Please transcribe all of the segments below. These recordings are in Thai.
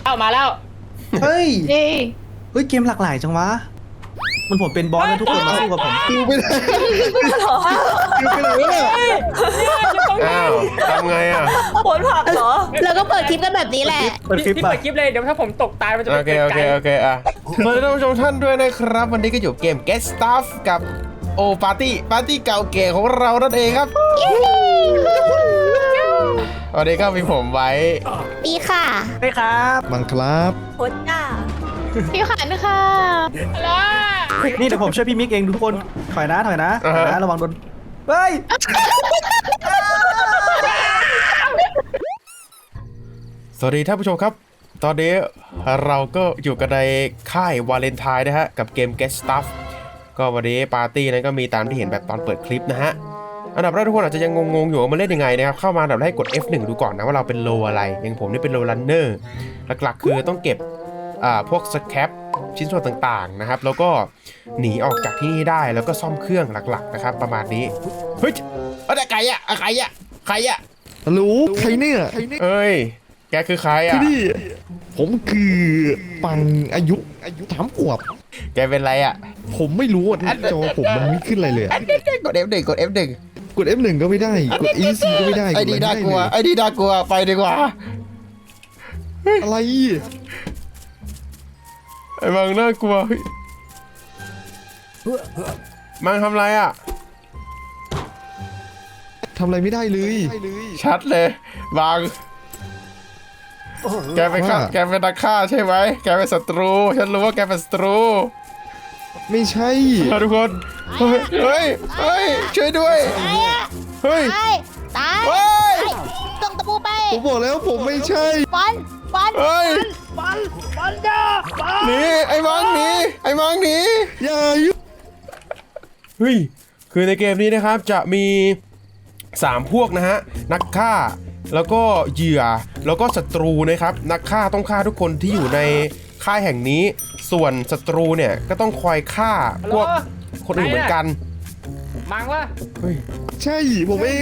เอามาแล้วเฮ้ยเย้เฮ้ยเกมหลากหลายจังวะมันผมเป็นบอสแล้วทุกคนมาสู้กับผมคิวไปเลยคิวไปเลยอ้าวทำไงอ่ะผลผักเหรอเราก็เปิดคลิปกันแบบนี้แหละเปิดคลิปพี่ไปเปิดคลิปเลยเดี๋ยวถ้าผมตกตายมันจะโอเป็นเคโอเคโอเคอ่ะสวัสดีท่านผู้ชมท่านด้วยนะครับวันนี้ก็อยู่เกม Get Stuff กับโอปาร์ตี้เก่าแก่ของเรานั่นเองครับวันนี้ก็มีผมไว้ปีค่ะได้ครับบังครับผลจ้าพี่ขันค่ะนี่เดี๋ยวผมช่วยพี่มิกเองทุกคนถอยนะระวังโดนเฮ้ยสวัสดีท่านผู้ชมครับ ตอนนี้เราก็อยู่กันในค่ายวาเลนไทน์นะฮะกับเกม Get Stuff ก็วันนี้ปาร์ตี้นั้นก็มีตามที่เห็นแบบตอนเปิดคลิปนะฮะอันดับแรกทุกคนอาจจะยังงงๆอยู่ว่ามันเล่นยังไงนะครับเข้ามาอันดับแรกกด F1 ดูก่อนนะว่าเราเป็นโลอะไรอย่างผมนี่เป็นโลรันเนอร์หลักๆคือต้องเก็บพวกสแครปชิ้นส่วนต่างๆนะครับแล้วก็หนีออกจากที่นี่ได้แล้วก็ซ่อมเครื่องหลักๆนะครับประมาณนี้เฮ้ยอะไรใครอะฮัลโหลใครเนี่ยเอ้ยแกคือใครอะคือนี่ผมคือปังอายุ3 ขวบแกเป็นไรอะผมไม่รู้อ่ะจอผมมันไม่ขึ้นอะไรเลยอะกด F1 กด F1 กด F1 ก็ไม่ได้กด EC ก็ไม่ได้ไอ้ดีน่ากลัวไอ้ดีน่ากลัวไปดีกว่าอะไรไอ้มังน่ากลัวเฮ้ยมังทำไรอะทำอะไรไม่ได้เลยชัดเลยมังแกเป็นนักฆ่าใช่ไหมแกเป็นศัตรูฉันรู้ว่าแกเป็นศัตรูไม่ใช่ทุกคนเฮ้ยช่วยด้วยเฮ้ยตายเฮ้ยส่งตะปูไปผมบอกแล้วผมไม่ใช่ฟันเฮ้ยหนีไอ้มังหนีอย่ายุ่งเฮ้ยคือในเกมนี้นะครับจะมี3พวกนะฮะนักฆ่าแล้วก็เหยื่อแล้วก็ศัตรูนะครับนักฆ่าต้องฆ่าทุกคนที่อยู่ในค่ายแห่งนี้ส่วนศัตรูเนี่ยก็ต้องคอยฆ่าพวกคนอื่นเหมือนกันมังวะเฮ้ยใช่ผมเอง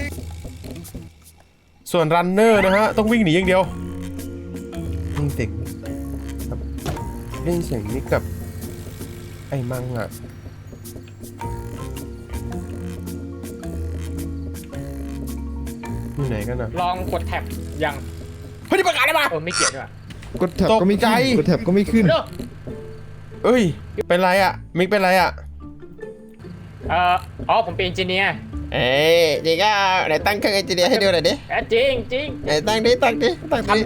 ส่วนรันเนอร์นะฮะต้องวิ่งหนีอย่างเดียวเล่นเสียงนี้กับไอ้มังอ่ะอยู่ไหนกันอ่ะลองกดแท็บยังเฮ้ยนี่ประกาศได้ปะไม่เกี่ยวด้วยกดแท็บก็ไม่ตกใจขึ้นกดแท็บก็ไม่ขึ้นเด้อเอ้ยเป็นไรอ่ะมิกเป็นไรอ่ะอ๋อผมเป็นเอนจิเนียร์เอ้ยจริงอ่ะไหนตั้งเครื่องเอนจิเนียร์ให้ดูหน่อยดิจริงไหนตั้งดิเดี๋ยว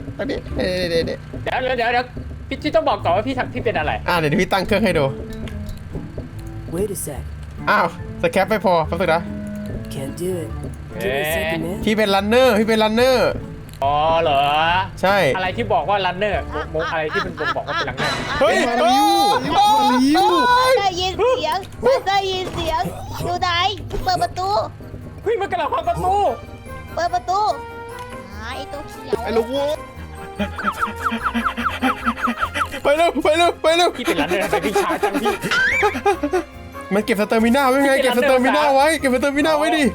พี่ต้องบอกก่อนว่าพี่เป็นอะไรเดี๋ยวพี่ตั้งเครื่องให้ดู Wait a sec. อ้าวสแคปไม่พอแป๊บนึงนะ Can't do it. Give me a second, man. พี่เป็นรันเนอร์อ๋อเหรอใช่อะไรที่บอกว่ารันเนอร์อะไรที่มันบอกว่าเป็นรันเนอร์เฮ้ยมาริวมาริวได้ยินเสียงอยู่ไหนเปิดประตูเฮ้ยมันกำลังพังประตูเปิดประตูไอ้ตัวเขียวไอ้ลูกวัวไปเร็วพี่เป็นรันเนอร์แต่พี่ช้าจังพี่มันเก็บสเตอร์มิน่าไว้ไงเก็บสเตอร์มิน่าไว้ดิ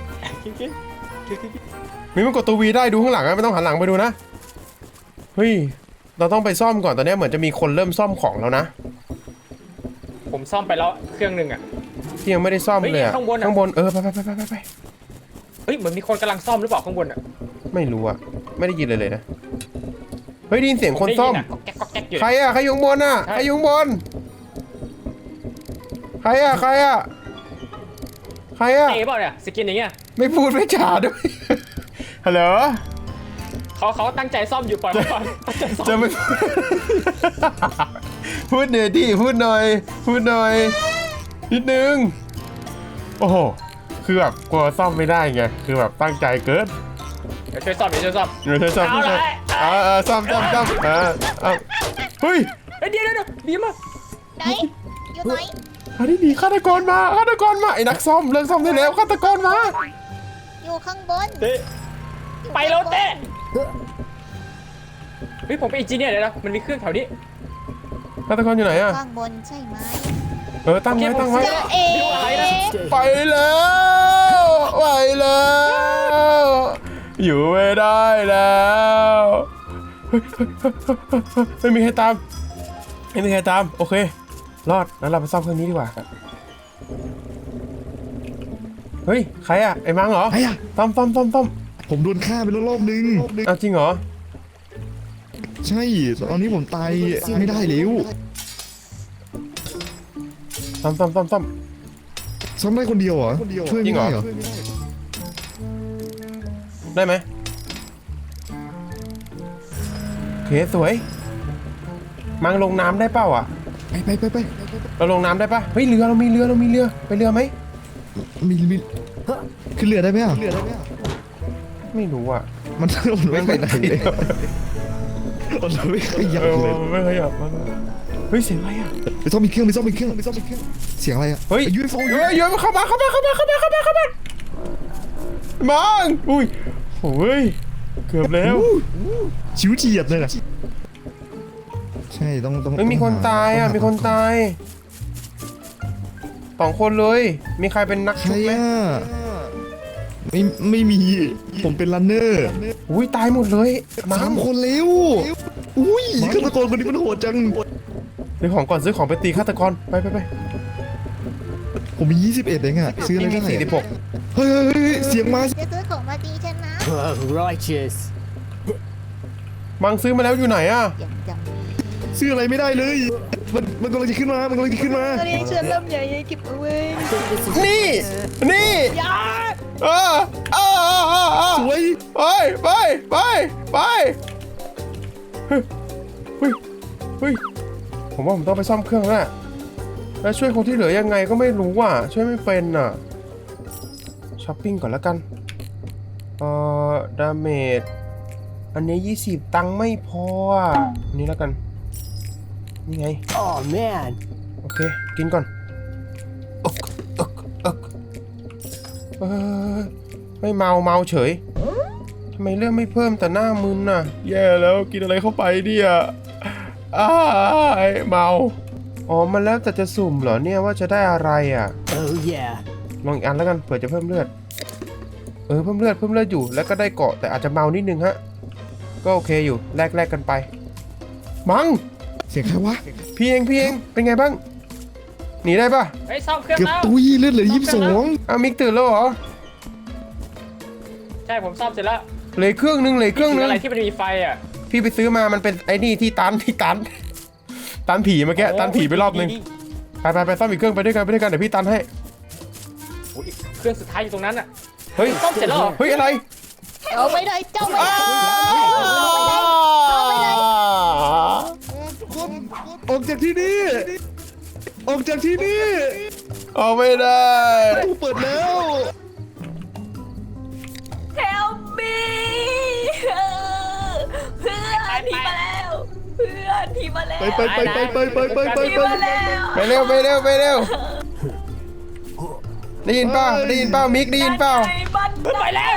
มีมันกดตัววีได้ดูข้างหลังนะไม่ต้องหันหลังไปดูนะเฮ้ยเราต้องไปซ่อมก่อนตอนนี้เหมือนจะมีคนเริ่มซ่อมของแล้วนะผมซ่อมไปแล้วเครื่องหนึ่งอ่ะที่ยังไม่ได้ซ่อมเลยอะเฮ้ยข้างบนอะข้างบนไปเฮ้ยเหมือนมีคนกำลังซ่อมหรือเปล่าข้างบนอ่ะไม่รู้อะไม่ได้ยินเลยนะเฮ้ยได้ยินเสียงคนซ่อมได้ยิะก็แก๊กอยู่ใครอะใครอยู่ข้างบนอะใช่ใครอยู่ข้างบนใครอะเตะเปล่าเนี่ยสกินอย่างเงี้ยไม่พูดไม่จาด้วย ฮัลโหลเขาตั้งใจซ่อมอยู่ปล่อยเขาก่อนตั้งใจซ่อมจะไม่ พูดหน่อยดิพูดหน่อยนิดนึงโอ้โหคือแบบกลัวซ่อมไม่ได้ไงคือแบบตั้งใจเกินเดี๋ยวช่วยซ่อมเดี๋ยวซ่อมซ่อมเฮ้ยเดี๋ยวดีมากไหนอยู่ไหนอันนี้หนีฆาตกรมาไอ้นักซ่อมเลิกซ่อมได้แล้วฆาตกรมาอยู่ข้างบนไปแล้วเต้เฮ้ยผมเป็นเอนจิเนียร์เลยนะมันมีเครื่องแถวนี้ฆาตกรอยู่ไหนอะข้างบนใช่ไหมตั้งไว้เจะเอ๋ไปแล้วอยู่ไม่ได้แล้วไม่มีใครตามไม่มีใครตามโอเครอดแล้วเราไปซ่อมเครื่องนี้ดีกว่าเฮ้ยใครอะไอ้มังเหรอไอ้อะต้อมผมโดนฆ่าไปแล้วรอบนึงเอาจริงเหรอใช่ตอนนี้ผมตายไม่ได้แล้วต้อมซ้ำได้คนเดียวเหรอช่วยไม่ได้เหรอได้ไหมโอเคสวยมังลงน้ำได้เปล่าอ่ะไปเราลงน้ำได้ปะเฮ้ยเรือเรามีเรือไปเรือไหมมีขึ้นเรือได้ไหมอ่ะไม่รู้อ่ะมันไม่ไปไหนเลยมันไม่ขยับเลยไม่ขยับมันเฮ้ยเสียงอะไรอ่ะไปซ่อมมีเครื่องเสียงอะไรอ่ะเฮ้ยยูเอฟโอเฮ้ยเข้ามามังอุ้ยโอ้ยเกือบแล้วชิวเฉียดเลยนะใช่ต้องไม่มีคนตายอ่ะมีคนตาย2 คนเลยมีใครเป็นนักใคชุรบไหมอ่ะไม่มีผมเป็นรันเนอร์อุ้ยตายหมดเลยมัง 3 คนแล้วอุ้ยฆาตกรคนนี้มันโหดจังซื้อของก่อนซื้อของไปตีฆาตกรไปผมมี21เองอ่ะซื้ออะไรมีได้ 46 เฮ้ยเสียงมาจะซื้อของมาตีฉันนะ Righteous. มังซื้อมาแล้วอยู่ไหนอ่ะอย่างจังซื้ออะไรไม่ได้เลยมันกำลังจะขึ้นมาเรียนเชิญลำใหญ่เก็บเอาไว้นี่สวยไปเฮ้ยผมว่าผมต้องไปซ่อมเครื่องแล้วช่วยคนที่เหลือยังไงก็ไม่รู้อ่ะช่วยไม่เป็นอ่ะช้อปปิ้งก่อนแล้วกันดาเมจอันนี้20ตังค์ไม่พออ่ะอันนี้แล้วกันนี่ไง Oh man. โอเคกินก่อนไม่เมาเฉยทำไมเรื่องไม่เพิ่มแต่หน้ามึนน่ะแย่แล้วกินอะไรเข้าไปเนี่ยเมาอ๋อมันแล้วแต่จะสุ่มเหรอเนี่ยว่าจะได้อะไรอ่ะ Oh yeah. ลองอีกอันแล้วกันเผื่อจะเพิ่มเลือดเพิ่มเลือดอยู่แล้วก็ได้เกาะแต่อาจจะเมานิดนึงฮะก็โอเคอยู่แลกกันไปมังเสียงใครวะพี่เองเป็นไงบ้างหนีได้ปะเฮ้ยซ่อมเครื่องเกือบแล้วตุยเลือดเหลือ22 อ้าวมิกตื่นแล้วเหรอใช่ผมซ่อมเสร็จแล้วเหลยเครื่องนึงอะไรที่มันมีไฟอ่ะพี่ไปซื้อมามันเป็นไอ้นี่ที่ตันผีเมื่อกี้ตันผีไปรอบนึงไปซ่อมอีกเครื่องไปด้วยกันเดี๋ยวพี่ตันให้โอ้ยเครื่องสุดท้ายอยู่ตรงนั้นอ่ะเฮ้ยซ่อมเสร็จแล้วเหรอเฮ้ยอะไรเอาไปเลยเจ้าไปเลยออกจากที่นี่ออกจากที่นี่ออกไม่ได้กูเปิดแล้ว Help me เพื่อนผีมาแล้วเพื่อนผีมาแล้วไปผีมาแล้วไปเร็วได้ยินเปล่ามิกได้ยินเปล่ามันไปแล้ว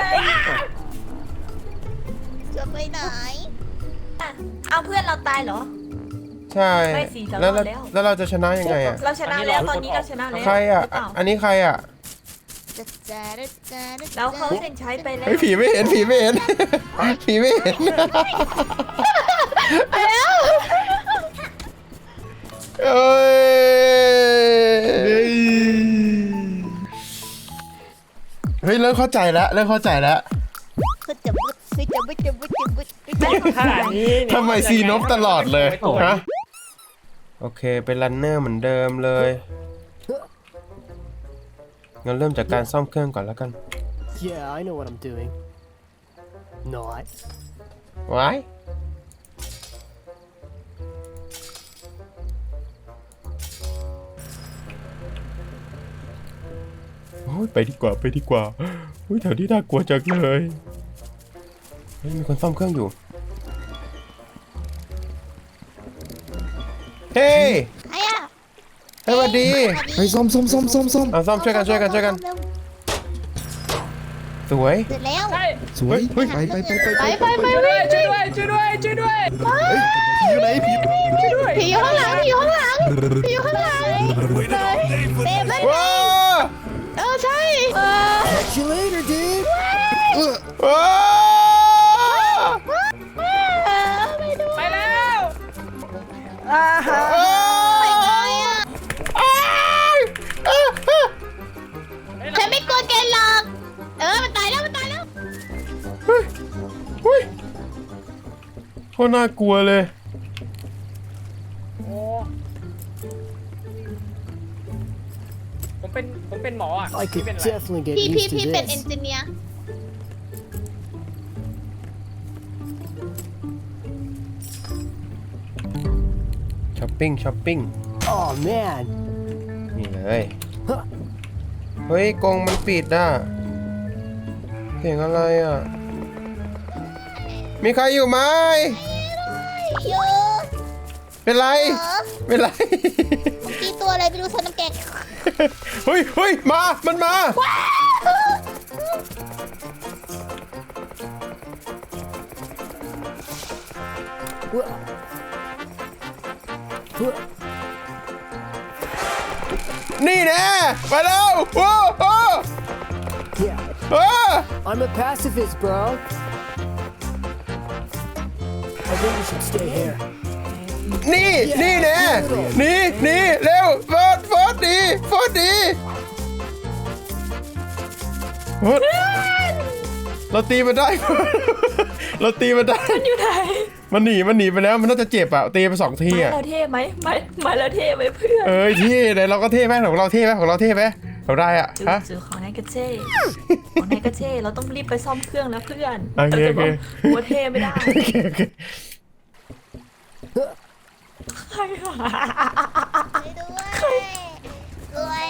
จะไปไหนเอาเพื่อนเราตายเหรอใช่ไม่สิเรารอดแล้วแล้วเราจะชนะยังไงอ่ะเราชนะแล้วตอนนี้เราชนะแล้วใครอ่ะหเปล่าอันนี้ใครอ่ะเราเข้าเส้นชัยไปแล้วเฮ้ยผีไม่เห็นผีไม่เห็น เอ้ยเฮ้ยเริ่มเข้าใจแล้วขนาดนี้เนี่ยทำไมซีนบตลอดเลยฮะโอเคเป็นรันเนอร์เหมือนเดิมเลยงั้นเริ่มจากการซ่อมเครื่องก่อนแล้วกัน Yeah, I know what I'm doing. Not. ไว้โอ้ยไปดีกว่าอุ้ยแถวนี้น่ากลัวจังเลยเฮ้ยมีคนซ่อมเครื่องอยู่เฮ้ยใครอ่ะสวัสดีไปซ่อมเอาซ่อมช่วยกันสวยเสร็จแล้วใช่สวยเฮ้ยไปช่วยด้วยช่วยด้วยผีอยู่ไหนผีผีอยู่ข้างหลังเต็มเลยว้าใช่ Catch you later, dude. ว้าไม่ฉันไม่กลัวแกหรอกมันตายแล้วมันตายแล้วเฮ้ยโคตรน่ากลัวเลยโอ้ผมเป็นหมออ่ะ I พี่ could เป็นอะไร definitely get พี่ used to เป็นเอน this. จิเนียร์ช้อปปิ้ง Oh man. นี่เลย เฮ้ยกรงมันปิดอ่ะเสียงอะไรอ่ะ มีใครอยู่ไหมเยอะเป็นไร เป็นไรเมื่อกี้ตัวอะไรไม่รู้ฉันน้ำแกงเฮ้ย มันมา นี่แน่ไปแล้วโอ้โห Yeah, เออ I'm a pacifist, bro. I think we should stay here. นี่แน่นี่เร็วโฟดดีโฟดเราตีมันได้ เราตีมันได้มันอยู่ไหนมันหนีไปแล้วมันน่าจะเจ็บอ่ะตีไป2 ทีไม้อ่ะเราเท่ไหมไม้เราเท่ไหมเพื่อนเอ้ยที่ไหนเราก็เท่ไหมของเราเท่ไหมเราได้อ่ะฮะจือของนายกระเจ้ของนายกระเจ้เราต้องรีบไปซ่อมเครื่องแล้วเพื่อนโอเคเราจะบอกว่าเท่ไม่ได้โอเคใครวะด้วย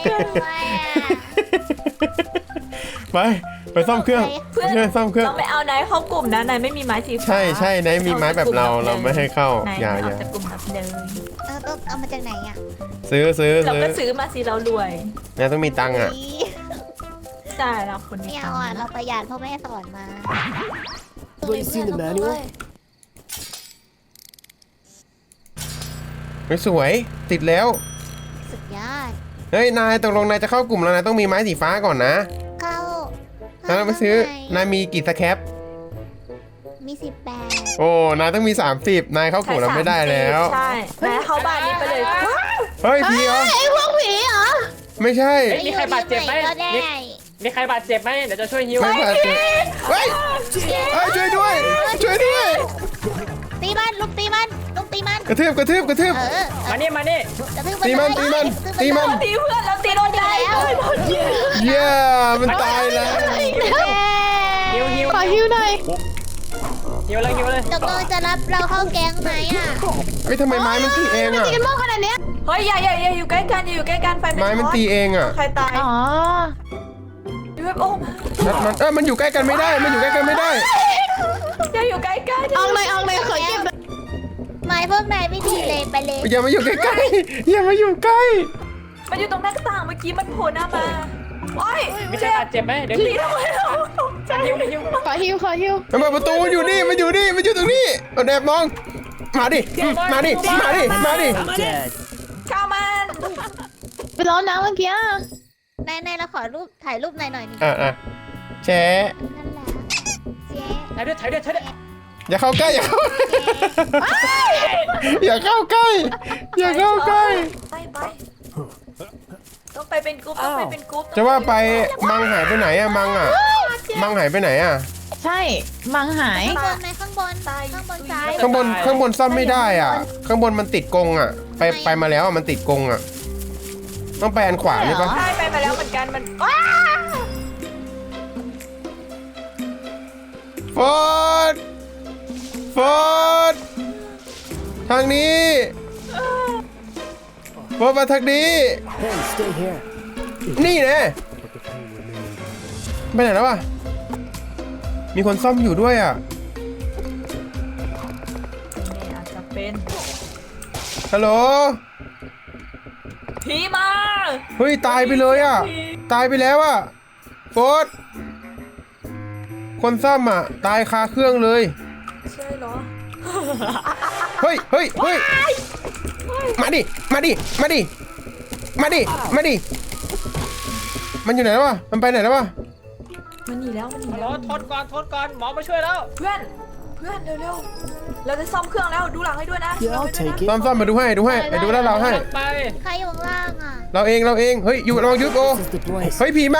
ไปซ่อมเครื่องเพื่อนซ่อมเครื่องเราไม่เอานายเข้ากลุ่มนะนายไม่มีไม้สีฟ้าใช่ไหนมีไม้แบบเราไม่ให้เข้านายอย่าเอาจากกลุ่มนับเลยต้องเอามาจากไหนอ่ะซื้อเราก็ซื้อมาสิเรารวยเนี่ยต้องมีตังค์อ่ะใช่เราคนไม่นี้เอาอ่ะเราประหยัดเพราะแม่สอนมา Everybody seen the manual? ไม่สวยติดแล้วสุดยอดเฮ้ยนายตกลงนายจะเข้ากลุ่มแล้วนายต้องมีไม้สีฟ้าก่อนนะเข้าแล้วเราไปซื้อนายมีกี่สแคปมี18 โอ้นายต้องมี30นายเข้ากลุ่มเราไม่ได้แล้วใช่นายเข้าบ้านนี้ไปเลยเฮ้ยพี่เหรอไอ้พวกผีเหรอไม่ใช่มีใครบาดเจ็บไหมก็ได้มีใครบาดเจ็บไหมเดี๋ยวจะช่วยฮิวไม่บาดเจ็บเฮ้ยช่วยด้วยตีมันลุกตีมันกระทืบมานี่กระทืบตีมันตีเพื่อนเราตีโดนใจเย้มันตายแล้วฮิวขอฮิวหน่อยฮิวเลยตกลงจะรับเราเข้าแก๊งไหมอ่ะเฮ้ยทำไมไม้มันตีเองอ่ะกันมากขนาดเนี้ยเฮ้ยอย่าอยู่ใกล้กันอย่าอยู่ใกล้กันไฟไม้มันตีเองอ่ะใครตายอ๋อยูเอฟโอมันอยู่ใกล้กันไม่ได้อย่าอยู่ใกล้กันเอาเลยขอเก็บไม้พวกนายไม่ดีเลยไปเลยอย่ามาอยู่ใกล้ๆอย่ามาอยู่ใกล้มันอยู่ตรงหน้าต่างเมื่อกี้มันโผล่หน้ามาโอ้ยมีใครบาดเจ็บไหมเดี๋ยวผีทำไมเราตกใจฮิวขอฮิวมันเปิดประตูมันอยู่ตรงนี้เอาแอบมองมาดิ I'm dead. ข้ามันไปร้อนน้ำเมื่อกี้นายเราขอถ่ายรูปนายหน่อยนี่อ่ะแชะนั่นแหละเจ๊ถ่ายด้วยอย่าเข้าใกล้อย่าเข้าใกล้ไปต้องไปเป็นกรุ๊ปจะว่าไปมังหายไปไหนอะมังหายไปไหนอะใช่มังหายข้างบนซ้ายข้างบนซ่อมไม่ได้อ่ะข้างบนมันติดกรงอ่ะไปมาแล้วมันติดกรงอ่ะต้องไปอันขวานี่ปะใช่ไปมาแล้วเหมือนกันมันฟอดทางนี้ฟอดมาทางนี้ Hey, stay here. นี่แน่ไปไหนแล้ววะมีคนซ่อมอยู่ด้วยอ่ะอาจจะเป็นฮัลโหลผีมาเฮ้ยตายไปเลยอ่ะตายไปแล้วอ่ะฟอดคนซ่อมอ่ะตายคาเครื่องเลยใช่เหรอเฮ้ยมาดิมันอยู่ไหนแล้ววะมันไปไหนแล้ววะมันหนีแล้วรอทนก่อนหมอมาช่วยแล้วเพื่อนเร็วเราจะซ่อมเครื่องแล้วดูหลังให้ด้วยนะ Yeah, I'll take it. ซ่อมมาดูให้ดูด้านเราให้ไปใครอยู่ข้างล่างอ่ะเราเองเฮ้ยอยู่ระวังยุดโอ This is the place. เฮ้ยผีมา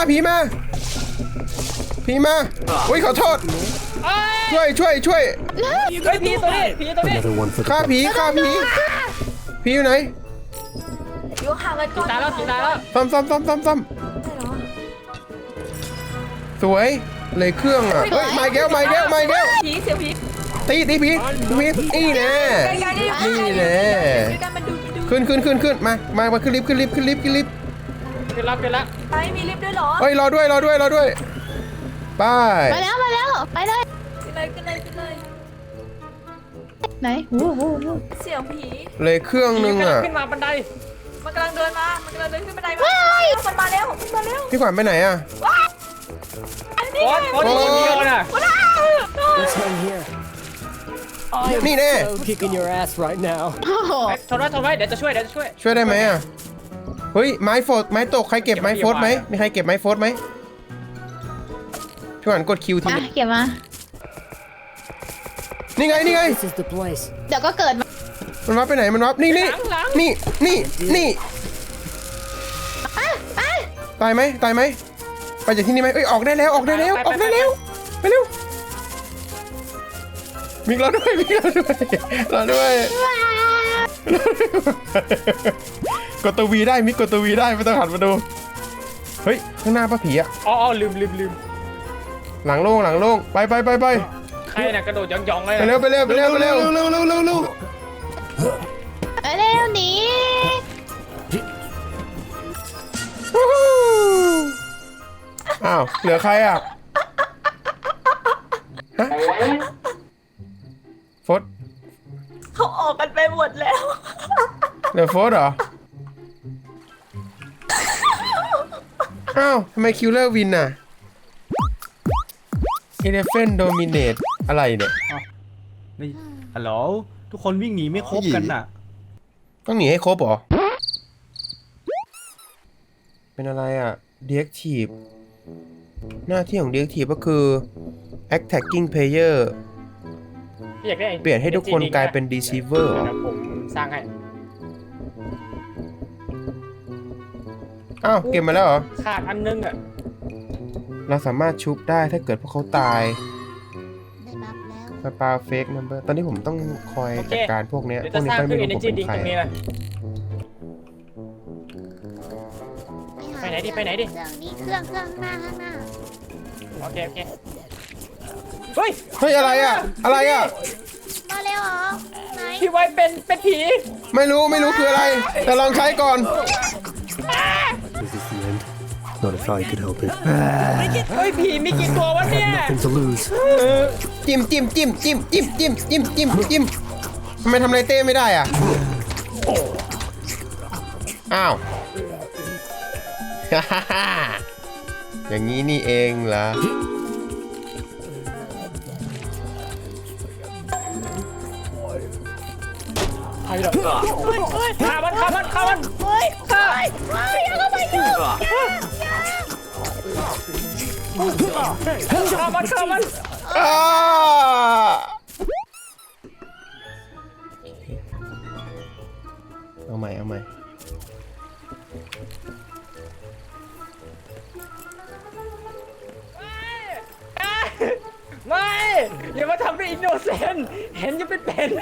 อุ้ยขอโทษช่วยเฮ้ยผีตัวนี้ Another one for the ฆ่าผีอยู่ไหนอยู่ห่างกันก่อนตายแล้วผีตายแล้วซ่อมใช่เหรอสวยเลยเครื่องอ่ะเฮ้ยมาแก้วผีเสียงผีตีผีนี่แน่ไกลๆได้อยู่นี่แน่ด้วยกันมันดูขึ้นมาขึ้นลิฟต์ขึ้นแล้วไปมีลิฟต์ด้วยเหรอเฮ้ยรอด้วยไปไปแล้วไปเลยขึ้นเลยไหนวู้เสียงผีเลยเครื่องนึงอ่ะขึ้นมาบันไดมันกำลังเดินขึ้นบันไดมามันมาแล้วพี่ขวัญไปไหนอ่ะอันนี้โอ๊ตคนเดียวน่ะ Let's hang here. I am Nè. so kicking your ass right now. ทนไว้เดี๋ยวจะช่วยช่วยได้ไหมอ่ะเฮ้ยไม้ตกใครเก็บไม้โฟร์ไหมมีใครเก็บไม้โฟร์ไหมพี่ขวัญกดคิวทีอ่ะเก็บมานี่ไง This is the place. เดี๋ยวก็เกิดมามันวับไปไหนมันวับนี่ตายไหมไปจากที่นี่ไหมเอ้ยออกได้แล้วไปเร็วมิกเราด้วยกดตัววีได้มิกกดตัววีได้ไม่ต้องหันมาดูเฮ้ยข้างหน้าป้าผีอะอ๋อลืมหลังโล่งไปใครน่ะกระโดดยองๆเลยไปเร็วไปเร็วหนีอ้าวเหลือใครอ่ะฮะโฟดเขาออกกันไปหมดแล้วเหลือโฟดเหรออ้าวทำไมคิวเลอร์วินน่ะเอเลฟเฟนโดมิเนตอะไรเนี่ยนี่ฮัลโหลทุกคนวิ่งหนีไม่ครบกันน่ะต้องหนีให้ครบเหรอเป็นอะไรอ่ะ Deactive หน้าที่ของ Deactive ก็คือ Attacking Player อยากได้เปลี่ยนให้ทุกคนกลายเป็น Deceiver เหรอเดี๋ยวผมสร้างให้อ้าวเก็บมาแล้วเหรอขาดอันนึงอ่ะเราสามารถชุบได้ถ้าเกิดพวกเขาตายได้บัฟแล้วสปาเฟกนัมเบอร์ตอนนี้ผมต้องคอยจัดการพวกเนี้ยเดี๋ยวพวจะกสนี้ร้างก็เครื่ไม่องรู้ Energy ผมเป็น Drink ใครตรงนี้เลยหาไปไหนดิเครื่องนี้เครื่องข้างหน้าโอเคเฮ้ยเฮ้ยอะไรอ่ะมาเร็วเหรอไหนพี่ไว้เป็นผีไม่รู้คืออะไร แต่ลองใช้ก่อน This is the end. Not if I could help it. เฮ้ยผีมีกี่ตัววะเนี่ย Nothing to lose. จิ้มทำไมทำอะไรเต้ไม่ได้อ่ะ อ้าว อย่างนี้นี่เองเหรอใครเหรอฆ่ามันเฮ้ยอย่าเข้าไปเถอะฆ่ามันอ้าเอาใหม่ไม่อย่ามาทำเป็นอินโนเซนต์เห็นยังเป็น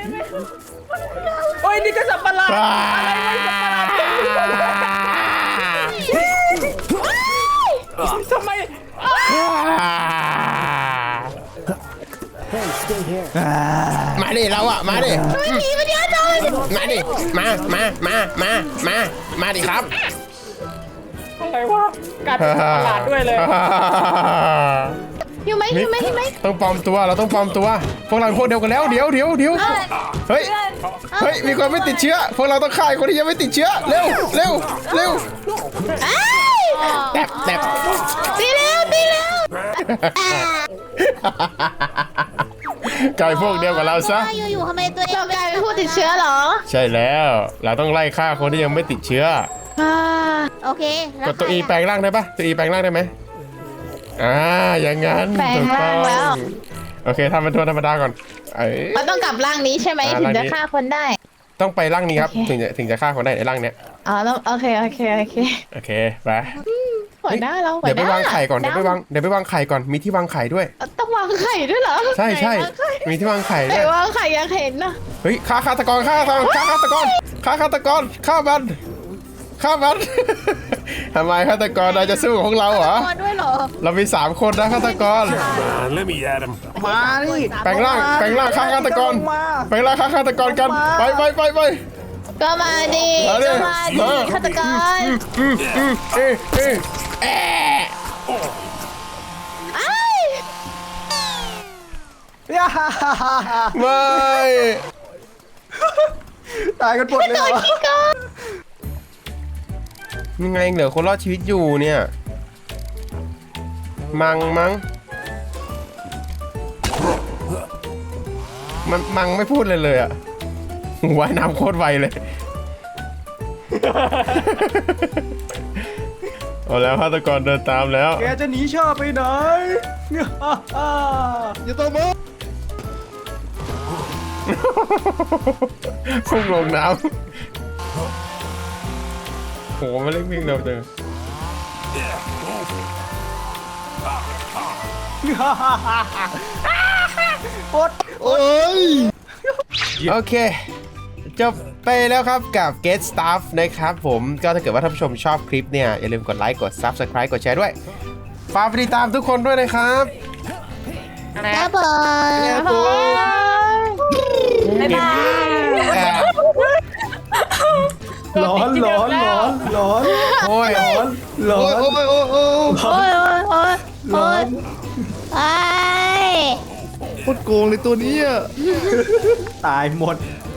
โอ้ยนี่ก็สับประหลาดอะไรวะสับประหลาดทำไม Hey, stay here. มาดิเราอะมาดิมาดิมาดิครับอะไรวะกลายเป็นประหลาดด้วยเลยอยู่ไหมต้องปลอมตัวเราต้องปลอมตัว พวกเราเป็นพวกเดียวกันแล้วเดี๋ยวเฮ้ยมีคนไม่ติดเชื้อพวกเราต้องฆ่าคนที่ยังไม่ติดเชื้อเร็วแตบตีเร็วกลายพวกเดียวกับเราซะอยู่ทำไมตัวเองกลายเป็นผู้ติดเชื้อเหรอใช่แล้วเราต้องไล่ฆ่าคนที่ยังไม่ติดเชื้อโอเคกดตัว E แปลงร่างได้ปะตัว E แปลงร่างได้ไหมอย่างงั้นแปลงร่างแล้วถโอเคทำเป็นตัวธรรมดาก่อนเอ้ยมันต้องกลับร่างนี้ใช่ไหมอ่าถึงร่างจะนี้ฆ่าคนได้ต้องไปร่างนี้ครับโอเคถึงจะฆ่าคนได้ในร่างเนี้ยอ๋อแล้วโอเคโอเคไปหัวหน้าเราเดี๋ยวไปวางไข่ก่อนเดี๋ยวไปวางไข่ก่อนมีที่วางไข่ด้วยต้องวางไข่ด้วยเหรอใช่ไหนวางไข่มีที่วางไข่ไหนด้วยวางไข่อยากเห็นนะเฮ้ยฆ่าฆาตกรฆ่ามันฆ่ามัน ทำไมฆาตกรเราจะสู้กับพวกเราเหรอตัวด้วยเหรอเรามี3 คนนะฆาตกร Man, let me at him. มานี่แปลงร่างฆ่าฆาตกรมาแปลงร่างฆ่าฆาตกรกันไปก็มาดิเอาดิก็มาดิฆาตกรเอ๊ะไอ้ายย่าฮ่าฮ่าฮ่าฮ่าไม่ตายกันหมดเลยเหรอยังไงเหลือคนรอดชีวิตอยู่เนี่ยมั้งมันไม่พูดเลยอ่ะว่ายน้ำโคตรไวเลยเอาแล้วฆาตกรเดินตามแล้วแกจะหนีชาไปไหนย่าฮ่าฮ่าอย่าตัวมึงพุ่งลงน้ำโหมันเล่นวิ่งเร็วจังย่าฮ่าฮ่าฮ่าโคตรโอ้ยโอเคจบไปแล้วครับกับ Get Stuff นะครับผมก็ถ้าเกิดว่าท่านผู้ชมชอบคลิปเนี่ยอย่าลืมกดไลค์กด Subscribe กดแชร์ด้วยฝากไปติดตามทุกคนด้วยนะครับครับผมบ๊ายบายร้อนโอ้ยร้อนโอ้ยโอ้ยร้อนไอ้โคตรโกงเลยตัวนี้อ่ะตายหมด